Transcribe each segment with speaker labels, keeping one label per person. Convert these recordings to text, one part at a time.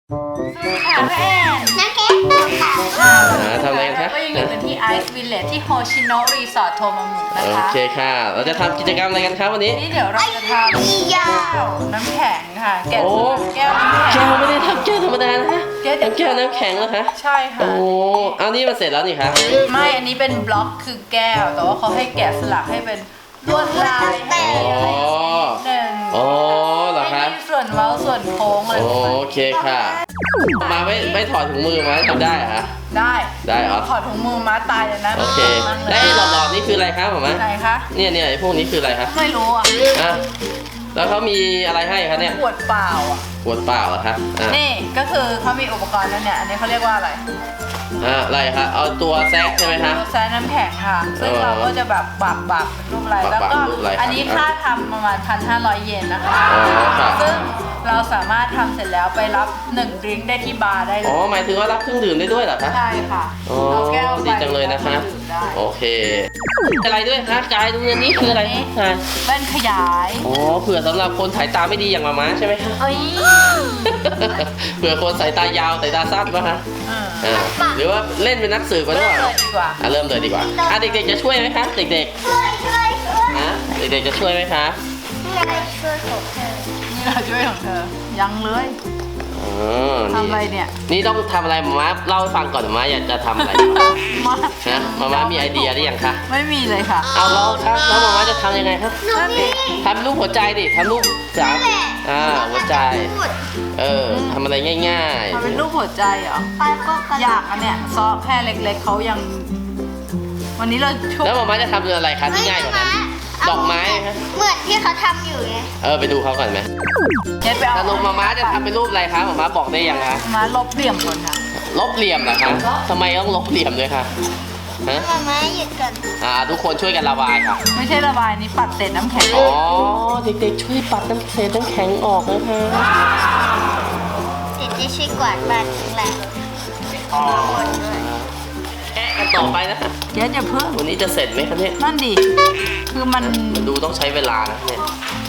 Speaker 1: ค่ะแม่น้ำแข็ง
Speaker 2: ทำอะไรกันคะ
Speaker 1: ก็ยังอยู่กันที่ไอซ์วิลเลจที่โฮชิโนะรีสอร์ทโทมามุนะ
Speaker 2: โอ
Speaker 1: คะ
Speaker 2: เคค่ะเราจะทำกิจกรรมอะไรกันครับวันนี้
Speaker 1: นี่เดี๋ยวเราจะทำแก้วน้ำแข็งค่ะแกะ
Speaker 2: โอ้
Speaker 1: แก้วน้ำแข็ง
Speaker 2: แก้วไม่ได้ทำแก้วธรรมดานะฮะ
Speaker 1: แก้ว
Speaker 2: ทำแก้วน้ำแข็งเหรอคะ
Speaker 1: ใช่ค่ะ
Speaker 2: โอ้เอานี่มาเสร็จแล้วนี่คะ
Speaker 1: ไม่อันนี้เป็นบล็อกคือแก้วแต่ว่าเขาให้แกะสลักให้เป็นลวดลายให้อะไรนิดนึง
Speaker 2: อ๋อเหรอคะ
Speaker 1: ให้มีส่วนเว้าส่วนโค้งอะไรประมาณ
Speaker 2: โอเคค่ะ มาไม่ถอดถุงมือมาทำได้เหรอคะ
Speaker 1: ได้
Speaker 2: ได้เหรอ
Speaker 1: ถอดถุงมือมาตายเลยนะ
Speaker 2: โอเคได้หลอดๆนี่คืออะไรครับหมอมะ
Speaker 1: ไหนคะ
Speaker 2: เนี่ยไอ้พวกนี้คืออะไรคะ
Speaker 1: ไม่รู้อ่ะ
Speaker 2: อ่ะแล้วเขามีอะไรให้คะเนี่ย
Speaker 1: ขวดเปล่าอ่ะ
Speaker 2: ขวดเปล่าเหรอคะอ่ะ
Speaker 1: นี่ก็คือเขามีอุปกรณ์แล้วเนี่ย อันนี้เขาเรียกว่าอะไร
Speaker 2: อะไรคะเอาตัวแซกใช่ไหมคะ
Speaker 1: ตัวแซนน้ำแข็งค่ะ ซึ่งเราก็จะแบบบักเป็นรูปอะไร แล้วก็
Speaker 2: รูปอะไรครับ
Speaker 1: อันนี้ค่าทำประมาณ 1,500 เยนนะคะ
Speaker 2: อ๋อค่ะ
Speaker 1: ซึ่งเราสามารถทำเสร็จแล้วไปรับ1ดริงก์ได้ที่บาร์ได้เล
Speaker 2: อ๋อย หมายถึงว่ารับเครื่องดื่มได้ด้วยเหรอคะ
Speaker 1: ใช่ค่ะ
Speaker 2: อ๋อ
Speaker 1: เอาแก้วไป
Speaker 2: ดีจังเลยนะคะ
Speaker 1: ดื่มได้
Speaker 2: โอเคอะไรด้วยคะกายดูอันนี้คืออะไรคะกาย
Speaker 1: แว่นขยาย
Speaker 2: อ๋อเผื่อสำหรับคนสายตาไม่ดีอย่างมาม้าใช่ไหมคะ
Speaker 1: เอ้ย
Speaker 2: เผื่อคนสายตายาวสายตาสั้นป่ะคะ
Speaker 1: อืม
Speaker 2: หรือว่าเล่นเป็นนักสืบก็ได้
Speaker 1: เริ่มเลยดีกว่า
Speaker 2: เริ่มเลยดีกว่าเด็กๆจะช่วยไหมคะเด็ก
Speaker 3: ช่วย
Speaker 2: ๆเด็กๆจะช่วยไหมคะ
Speaker 3: ช่วยของเธอ
Speaker 1: นี่เราช่วยของเธอ ยังเลย
Speaker 2: อ๋อ
Speaker 1: ทำอะไรเนี่ย
Speaker 2: นี่ต้องทำอะไรมาม้าเล่าให้ฟังก่อนมาม้าอยากจะทำอะไร
Speaker 1: มา
Speaker 2: ฮะมาม้ามีไอเดียหรือยังคะ
Speaker 1: ไม่มีเลยค่ะ
Speaker 2: เอาเราครับแล้วมาม้าจะทำยังไงครับ
Speaker 3: หนูมี
Speaker 2: ทำรูปหัวใจดิทำรูปสามหัวใจ
Speaker 3: พูด
Speaker 2: ทำอะไรง่าย
Speaker 1: ทำเป็นรูปหัวใจเหรอ
Speaker 3: ไปก็กระ
Speaker 1: อยากอันเนี้ยซอแค่เล็กๆเขายัง วันนี้เราช่วย
Speaker 2: แล้วมาม้าจะทำอะไรคะที่ง่ายกว่านั้น ดอกไม้ไหมคะ
Speaker 3: เหมือนที่เขาทำอยู่ไง
Speaker 2: ไปดูเขาก่อนไหม
Speaker 1: เน็ตไปเอา
Speaker 2: สรุปมาม้าจะทำเป็นรูปอะไรคะมาม้าบอกได้ยังคะ
Speaker 1: มาลบเหลี่ยมคนค่ะ
Speaker 2: ลบเหลี่ยมเหรอคะทำไมต้องลบเหลี่ยมด้วยคะฮะ
Speaker 3: มาม่าหยุดก่อน
Speaker 2: ทุกคนช่วยกันระบายค่ะ
Speaker 1: ไม่ใช่ระบายนี่ปัดเศษน้ำแข็ง
Speaker 2: อ๋อ เด็กๆช่วยปัดเศษน้ำแข็งออกนะคะ
Speaker 3: เดี๋ยวจะช่วยกวาดบ้านทั้งหลังหมดด้วย
Speaker 2: แกะกันต่อไปนะคะ
Speaker 1: เจ๊จะเพิ่ม
Speaker 2: วันนี้จะเสร็จไหมคะเนี่ย
Speaker 1: นั่นดิคือมัน
Speaker 2: มันดูต้องใช้เวลานะเนี่ย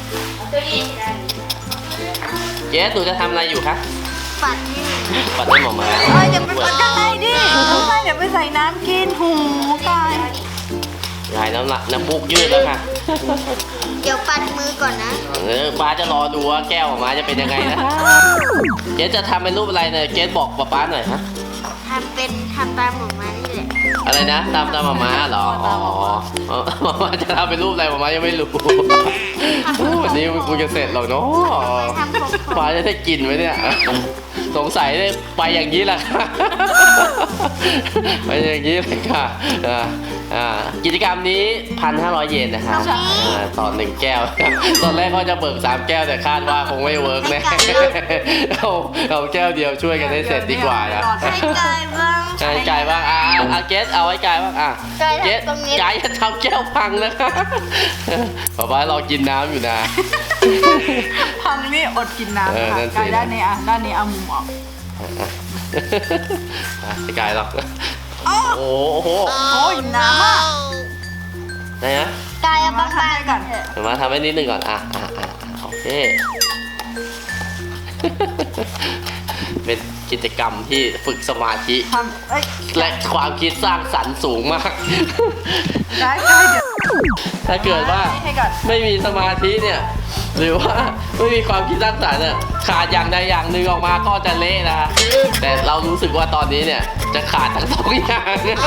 Speaker 2: เจสหนูจะทำอะไรอยู่คะ
Speaker 3: ปัดให้หนู
Speaker 2: ปัดให้หมอมา
Speaker 1: เอ้ยอย่าไปปัดข้างในดิข้างในเดี๋ยวไปใส่น้ำกินหูกาย
Speaker 2: ยายน้ำมูกยืดแล้วค่ะ
Speaker 3: เดี๋ยวปัดมือก่อนนะ
Speaker 2: ป้าจะรอดูว่าแก้วหมอมาจะเป็นยังไงนะเจสจะทำเป็นรูปอะไรเนี่ยเจสบอกป้าหน่อยฮะ
Speaker 3: ทำตามหมูมานี่แหละ
Speaker 2: อะไรนะตามหมอมาเหรออ๋อหมอมาจะทำเป็นรูปอะไรหมอมายังไม่รู้วันนี้มันคงจะเสร็จหรอกเนาะ
Speaker 3: ทำผม
Speaker 2: ป้าจะได้กินไหมเนี่ยสงสัยได้ไปอย่างนี้แหละค่ะไปอย่างนี้เลยค่ะกิจกรรมนี้ 1,500 เยนนะครับต่อ1แก้ว ตอนแรกก็จะเบิก3แก้วแต่คาดว่าคงไม่เวิร์กแน่เอาแก้วเดียวช่วยกันให้เสร็จดีกว่านะ
Speaker 3: ให้กายบ้าง
Speaker 2: ไก่บ้างเกสเอาไว้ไก่บ้างเกส
Speaker 3: ตรงนี้
Speaker 2: ไก่จะทำแก้วพังนะคะป๊ารอกินน้ำอยู่นะ
Speaker 1: พังนี่อดกินน้ำ
Speaker 2: นั่
Speaker 1: ค่ะ
Speaker 2: นสิ
Speaker 1: กายด้านนี้อ่ะด้านนี้เอามุมออก
Speaker 2: ไก่หรอก
Speaker 1: อ้อ
Speaker 2: โอ้โห
Speaker 1: โอ้ยน้ำอ่ะ
Speaker 2: ไหนนะ
Speaker 3: กายเอาบ้าง
Speaker 1: ทำให้ก่อน
Speaker 3: เถอะ
Speaker 2: เดี๋ยวมาทำให้นิดนึงก่อนโอเค เป็นกิจกรรมที่ฝึกสมาธิ
Speaker 1: ทำเอ้ย
Speaker 2: และความคิดสร้างสรรค์สูงมาก
Speaker 1: ได้เดี๋ยว
Speaker 2: ถ้าเกิดว่า
Speaker 1: ให้ก่อน
Speaker 2: ไม่มีสมาธิเนี่ย หรือว่าไม่มีความคิดสร้างสรรค์เนี่ยขาดอย่างใดอย่างหนึ่งออกมาก็จะเละนะ แต่เรารู้สึกว่าตอนนี้เนี่ยจะขาดทั้งสองอย่าง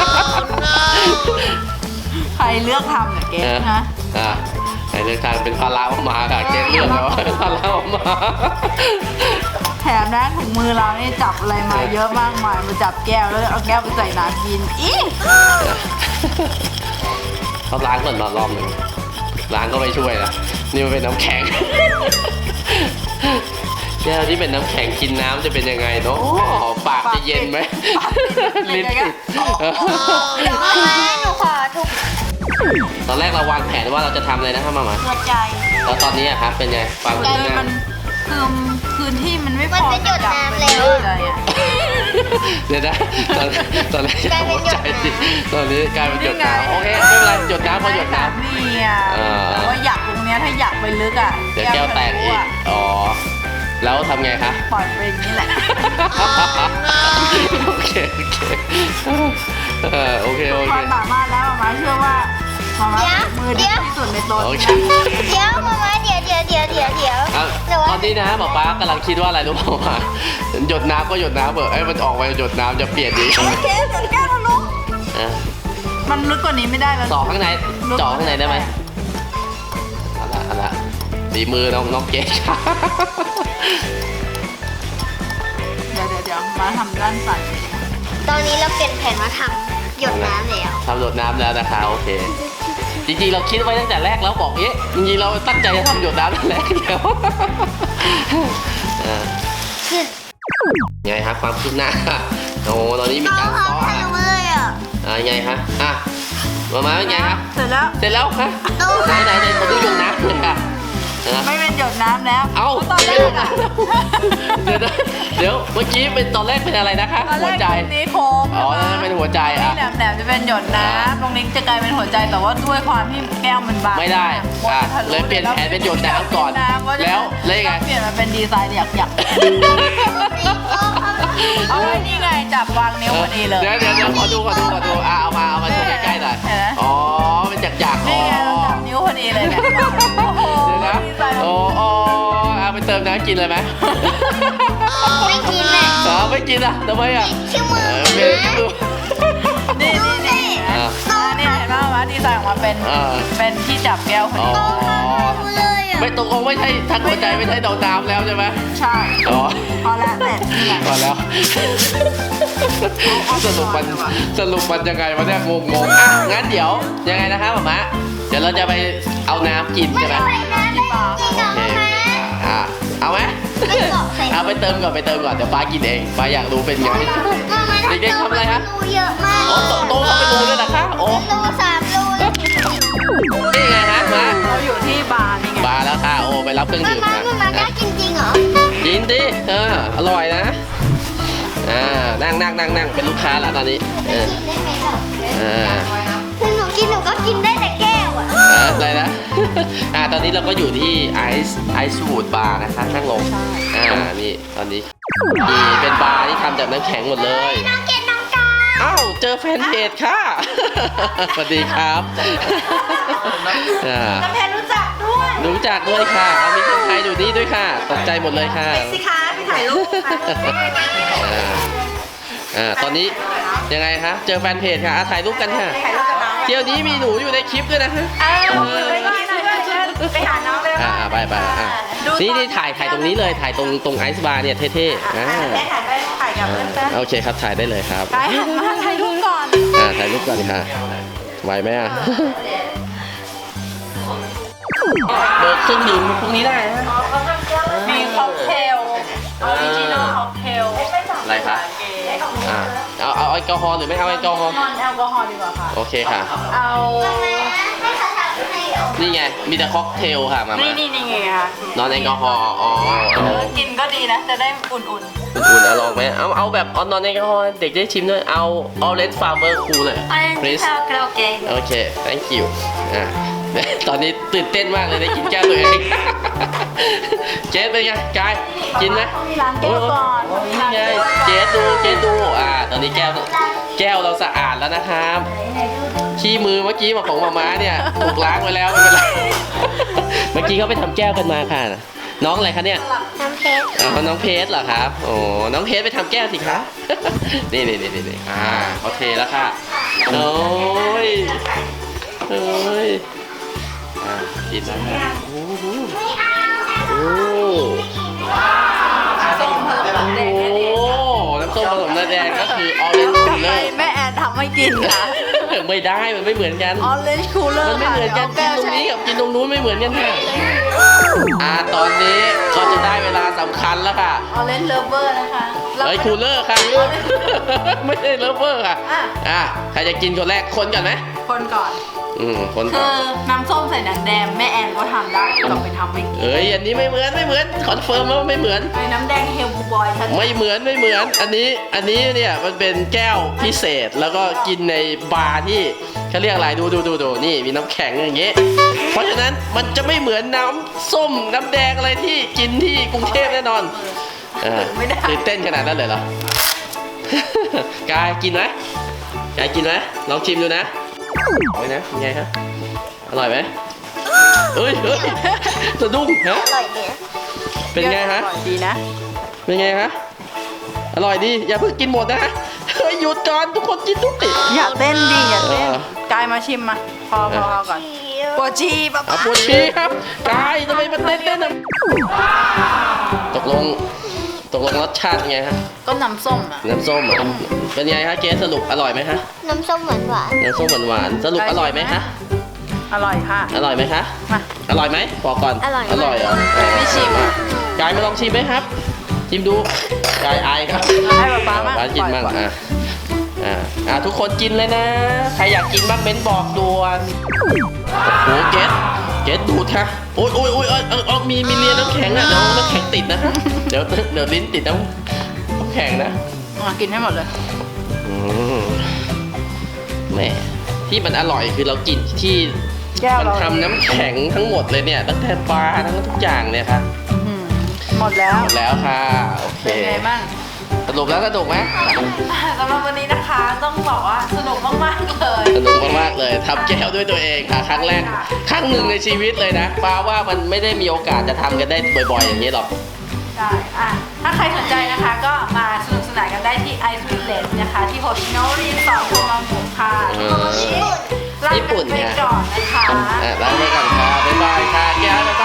Speaker 1: ใครเลือกทำเนี่ยเกสนะ
Speaker 2: ไอ้เรื่องทางเป็นภาระออกมาค่ะเกณฑ์เรื่องแล้วเป็นภาระออกมา
Speaker 1: แถมนะถุงมือเรานี่จับอะไรมาเยอะมากมายมาจับแก้วแล้วเอาแก้วไปใส่น้ำกินอี
Speaker 2: เขาล้างก่อนรอบหนึ่งล้างก็ไม่ช่วยนะนี่มันเป็นน้ำแข็ง แก้วที่เป็นน้ำแข็งกินน้ำจะเป็นยังไงเนาะปากจะเย็นไหมลิ้นติด
Speaker 3: มาม่าหนูขอทุก
Speaker 2: ตอนแรกเราวางแผนว่าเราจะทำอะไรนะครับมามา
Speaker 3: หัวใจ
Speaker 2: แล้วตอนนี้อะครับเป็นไงฟัง
Speaker 1: มัน
Speaker 2: ขึ้น
Speaker 1: เลย
Speaker 2: ห
Speaker 1: มั
Speaker 2: น้าน
Speaker 1: คือพื้นที่มันไม่พอ
Speaker 3: มันจะหยดน้ำแล้ว
Speaker 1: อะไรอ่ะ
Speaker 2: เดี๋ยวนะตอนแรกจะหัวใจดิตอนนี้กลายเป็นหยดน้ำโอเคไม่เป็นไรหยดน้ำพอหยดน้ำ
Speaker 1: นี่อ่ะแต่ว่าอยากตรงเนี้ยถ้าอยากไปลึกอ่ะ
Speaker 2: เดี๋ยวแก้วแตกอีก อ๋อ แล้วทำไงคะ
Speaker 1: ปล่อยไปอย่างนี้แหละ
Speaker 2: โอเคโอ
Speaker 1: ค
Speaker 2: เคว
Speaker 1: ามสามารถแล้วมาเชื่อว่ามามือดีที่สุดในโต๊ะ
Speaker 2: โอเค
Speaker 3: เดี๋ยวมามาเดี๋ยว
Speaker 2: ครับ
Speaker 3: แต่ว่า
Speaker 2: ตอนนี้นะป๊าป๊ากำลังคิดว่าอะไรรู้เปล่ามาหยดน้ำก็หยดน้ำเบอะไอ้ยมันออกไปหยดน้ำจะเปลี่ยนดี
Speaker 1: โอเคสุดแก้วทะลุ
Speaker 2: อ่ะ
Speaker 1: มันลึกกว่านี้ไม่ได้แล้ว
Speaker 2: ต่อข้างในเจาะข้างในได้ไหมเอาละดีมือน้องเก๊กครับ
Speaker 1: เดี๋ยวมาทำด้านสั่น
Speaker 3: ตอนนี้เราเปลี่ยนแผนมาทำหยดน้ำแล้ว
Speaker 2: ทำหยดน้ำแล้วนะคะโอเค จริงๆเราคิดไว้ตั้งแต่แรกแล้วบอกจริงๆเราตั้งใจจะทำหยดน้ำตั้งแต่แรกแล้ว ไงครับความคืบหน้าโอ้ตอนนี้มี
Speaker 3: ต้อง
Speaker 2: การ
Speaker 3: ทำ
Speaker 2: ซ้อ
Speaker 3: ให้เลยอ่ะ
Speaker 2: ยังไงคะมาเป็นไงครับ
Speaker 1: เสร็จแล้ว
Speaker 2: เสร็จแล้วคะไหนมาดูหยดน้ำเลยค่ะ
Speaker 1: ไม่เป็นหยดน้ำแล้ว
Speaker 2: เอา
Speaker 1: ตอนแรกอะ
Speaker 2: เดี๋ยวเมื่อกี้เป็นตอนแรกเป็นอะไรนะคะ
Speaker 1: ตอนแร
Speaker 2: หัว
Speaker 1: ก
Speaker 2: ใจ
Speaker 1: ตรงนี้โค้ง
Speaker 2: อ๋อนั่นเป็นหัวใจ
Speaker 1: นี่
Speaker 2: อ่ะ
Speaker 1: แหลมๆจะเป็นหยดน้ำตรงนี้จะกลายเป็นหัวใจแต่ว่าด้วยความที่แก้วมันบาง
Speaker 2: ไม่ได้เลยเปลี่ยนแผนเป็นหยดน้ำก่อนแล้วยังไง
Speaker 1: เปลี่ยนมาเป็นดีไซน์อยากเอาไว้นี่ไงจับวางนิ้วพอดีเลย
Speaker 2: เดี๋ยวขอดูเอามาโชว์ใกล้ๆหน่อย
Speaker 1: เห็นไหม
Speaker 2: อ๋อเป็นจักร
Speaker 1: นี่ไงเราจับนิ้วพอดีเลยเนี่ยโอ้โห
Speaker 2: เดี๋ยวนะ
Speaker 1: ดีไซน์
Speaker 2: โอ้เอาไปเติมน้ำกินเลยไหม
Speaker 3: ไม่กินอ่ะ
Speaker 2: ไม่กินอ่ะทำไมอ่ะ
Speaker 3: ชื่อมือ
Speaker 2: เมย์ดู
Speaker 1: นี่
Speaker 3: นี่
Speaker 1: นี่เห็นไหมว่าดีไซน์ออกมาเป็นที่จับแก้วพอดี
Speaker 2: อ๋อ
Speaker 3: เลยอ่ะ
Speaker 2: ไม่ตกลงไม่ใช่ทักหัวใจไม่ใช่ดอกน้ำแล้วใช่ไหม
Speaker 1: ใช่
Speaker 2: อ๋อ
Speaker 1: พอแล้วเสร็จนี่ไง
Speaker 2: พอแล้วสรุปมันยังไงวะเนี่ยงงอ่ะงั้นเดี๋ยวยังไงนะคะหม่ามะเดี๋ยวเราจะไปเอาน้ำกินใช่ไหม
Speaker 3: ไปนะไม่กินหรอก
Speaker 2: โอเค
Speaker 3: นะ
Speaker 2: เอาไหม
Speaker 3: ไม่บอกใส่
Speaker 2: เอาไปเติมก่อนเดี๋ยวป้ากินเองป้าอยากรู้เป็นไง เด็กๆทำอะไรฮะ
Speaker 3: รูเยอะมาก
Speaker 2: โอ้โตเขาไปรู้ด้วยเหรอคะโอ้
Speaker 3: รู3 รูเลย
Speaker 2: นี่ไงฮะมา
Speaker 1: เราอยู่ที่บาร์นี่ไง
Speaker 2: มาแล้วค่ะโอ้ไปรับเครื่อง
Speaker 3: มา
Speaker 2: ดื่ม
Speaker 3: มา
Speaker 2: นะ
Speaker 3: มาได้กินจริงเหรอ
Speaker 2: กินดิอร่อยนะนั่งเป็นลูกค้าแล้วตอนนี้
Speaker 3: กินได้ไหมหรอ
Speaker 2: อ่า
Speaker 3: คือหนูก็กินได้แต่แก้วอ่ะ
Speaker 2: อะไรนะ ตอนนี้เราก็อยู่ที่ไอซ์วูดบาร์นะคะนั่งลงนี่ตอนนี้นี่เป็นบาร์ที่ทำจากน้ำแข็งหมดเลย
Speaker 3: น้องเกดน้องกา
Speaker 2: อ้าวเจอแฟนเพจค่ะ สวัสดีครับอ่า
Speaker 3: น้องเพนรู้จักด้วย
Speaker 2: รู้จักด้วยค่ะเอามีคนไทยอยู่นี่ด้วยค่ะ ตกใจหมดเลยค่ะ
Speaker 3: สิคะไปถ่ายรูปค่ะ
Speaker 2: ตอนนี้ยังไงคะเจอแฟนเพจค่ะถ่ายรูปกันค่ะ
Speaker 3: ถ่ายรูปกับน้อง
Speaker 2: เที่ยวนี้มีหนูอยู่ในคลิปด้วยนะฮะ
Speaker 3: ไปหาน้องเลย
Speaker 2: ไปนี่ถ่ายตรงนี้เลยถ่ายตรงไอซ์บาร์เนี่ยเท่ๆ
Speaker 3: ได้ถ่ายกับเพื่อน
Speaker 2: โอเคครับถ่ายได้เลยครับ
Speaker 1: ไปหันมาถ่ายรูปก่อน
Speaker 2: ถ่ายรูปก่อนค่ะไหวไหมอ่ะเบิกเครื่องดื่มพวกนี้ได้นะ
Speaker 1: มีค็อกเทลออริจินอลค็อกเทล
Speaker 2: อะไรคะเอาแอลกอฮอล์หรือไม่เอาแอลกอฮอล์
Speaker 1: นอนแอลกอฮอล์ดีกว่าค่ะ
Speaker 2: โอเคค่ะ
Speaker 1: เอา
Speaker 3: ให้เขาถ่ายให้
Speaker 2: นี่ไงมีแต่ค็อกเทลค่ะมา
Speaker 1: นี่ไงค่ะ
Speaker 2: นอนแอลกอฮอล์อ๋อ
Speaker 1: กินก็ดีนะ จะได้อุ่น
Speaker 2: อุ่นๆลองไหมเอาแบบนอนแอลกอฮอล์เด็กได้ชิมด้วยเอา Orange Farmer Cool เลย please
Speaker 3: โอเค
Speaker 2: โอเค thank you ตอนนี้ตื่นเต้นมากเลยได้กินแก้วตัวเอง เจสเป็นไงกายกินไหม
Speaker 1: ๆมีร้านแก้วก่อน
Speaker 2: นี่ไงเจสดูตอนนี้แก้วเราสะอาดแล้วนะครับขี้มือเมื่อกี้ของมาม่าเนี่ยถูกล้างไว้แล้วไม่เป็นไร เมื่อกี้เขาไปทำแก้วกันมาค่ะน้องอะไรคะเนี่ย
Speaker 3: น้ำเพชร
Speaker 2: น้องเพชรเหรอครับโอ้น้องเพชรไปทำแก้วสิคะ นี่เขาเทแล้วค่ะโอ้ยกินแล้วค่ะโอ้โห
Speaker 1: ส้มผสมแดง
Speaker 2: น้ำส้มผสมน้ำแดงก็คือ Orange
Speaker 1: ทำไม
Speaker 2: Cooler
Speaker 1: แม่แอนทำให้กินคะ
Speaker 2: ไม่ได้มันไม่เหมือนกัน
Speaker 1: ออเรนจ์คูลเลอ
Speaker 2: มัน
Speaker 1: ร์
Speaker 2: ไม่เหมือนกันกินตรงนี้กับกินตรงนู้นไม่เหมือนกันค่ะตอนนี้ก็จะได้เวลาสำคัญแล้วค่ะ
Speaker 1: ออเรนจ์เลเวอร์นะคะ
Speaker 2: คูลเลอร์ค่ะ ไม่ใช่เลฟเวอร์ค่ะใครจะกินคนแรกคนก่อนไหม
Speaker 1: คนก่อน
Speaker 2: คน
Speaker 1: คื
Speaker 2: ก่อน
Speaker 1: อน้ำส้มใส่หนังแดงแม่แอนก็ทำได้ลองไปทำไม่กิน
Speaker 2: เอ้ยอันนี้ไม่เหมือนคอนเฟิร์มว่าไม่เหมือน
Speaker 1: ไอ้น้ำแดงเฮลบูบอยชัด
Speaker 2: ไม่เหมือนอันนี้เนี่ยมันเป็นแก้วพิเศษแล้วก็กินในบาร์ที่เขาเรียกอะไรดูนี่มีน้ำแข็งอย่างเงี้ยเพราะฉะนั้นมันจะไม่เหมือนน้ำส้มน้ำแดงอะไรที่กินที่กรุงเทพแน่นอน
Speaker 1: ไม่ได้
Speaker 2: ตื่นเต้นขนาดนั้นเลยเหรอ กายกินไหมยายกินไหมลองชิมดูนะเอาไว้นะยังไงฮะอร่อยไหมเอ้ยสะดุ้งฮะ
Speaker 3: อร่อยดี
Speaker 2: เป็นไงฮะ
Speaker 1: อร่อยดีนะ
Speaker 2: เป็นไงฮะอร่อยดีอย่าเพิ่งกินหมดนะฮะเฮ้ยหยุดก่อนทุกคนกินทุกติ
Speaker 1: อย่าเต้นดิอย่าเต้น
Speaker 2: เออ
Speaker 1: กายมาชิมมาพอก่อนปวดชีป๊า
Speaker 2: เอา
Speaker 1: ป๊า
Speaker 2: ปวดชีครับกายทำไมมันเต้นนะตกลงรสชาติไงฮะ
Speaker 1: ก็น้ำส้มอ่ะ
Speaker 2: น้ำส้มเหรอเป็นไงฮะเกสสรุปอร่อยไหมฮะ
Speaker 3: น้ำส้มหวานหวาน
Speaker 2: น้ำส้มหวานๆสรุปอร่อยไหมฮะ
Speaker 1: อร่อยค่ะ
Speaker 2: อร่อยไหมคะ
Speaker 1: มา
Speaker 2: อร่อยไหมบอกก่อนอร่อยเหรอ
Speaker 1: ไม่ชิมอ่ะ
Speaker 2: กายมาลองชิมไหมครับชิมดูกายอายครับ
Speaker 1: ให้ป๊าป๊ามั่ง
Speaker 2: กินมั่ง
Speaker 1: ปล่อย
Speaker 2: ทุกคนกินเลยนะใครอยากกินบ้างเม้นบอกด่วนโอ้โหเกสดูดค่ะโอ้ยมีเลียน้ำแข็งอ่ะเดี๋ยวน้ำแข็งติดนะเดี๋ยวลิ้นติดน้ำแข็งนะ
Speaker 1: กินให้หมดเลย
Speaker 2: แหมที่มันอร่อยคือเรากินที่
Speaker 1: แก้ว
Speaker 2: มัน
Speaker 1: เรา
Speaker 2: ทำน้ำแข็งทั้งหมดเลยเนี่ยตั้งแต่ปลาทั้งทุกอย่างเนี่ยค่ะ
Speaker 1: หมดแล้ว
Speaker 2: หมดแล้วค่ะโอเค
Speaker 1: เป็นไงบ้าง
Speaker 2: สนุกแล้วสนุกไหม
Speaker 1: สำหรับวันนี้นะคะต้องบอกว่าสนุกมากๆเลย
Speaker 2: สนุกมากๆเลยทำแก้วด้วยตัวเองค่ะ ครั้งแรกครั้งหนึ่งในชีวิตเลยนะป้าว่ามันไม่ได้มีโอกาสจะทำกันได้บ่อยๆอย่างนี้หรอก
Speaker 1: ได้ถ้าใครสนใจนะคะก็มาสนุกสนานกันได้ที่ Ice Village นะคะ ที่โฮชิโนรีสอร์ทโทมามุค่ะลาไปก่อนนะคะ
Speaker 2: ลาไปก่อนค่ะบ๊ายบายค่ะแก้วบ๊ายบาย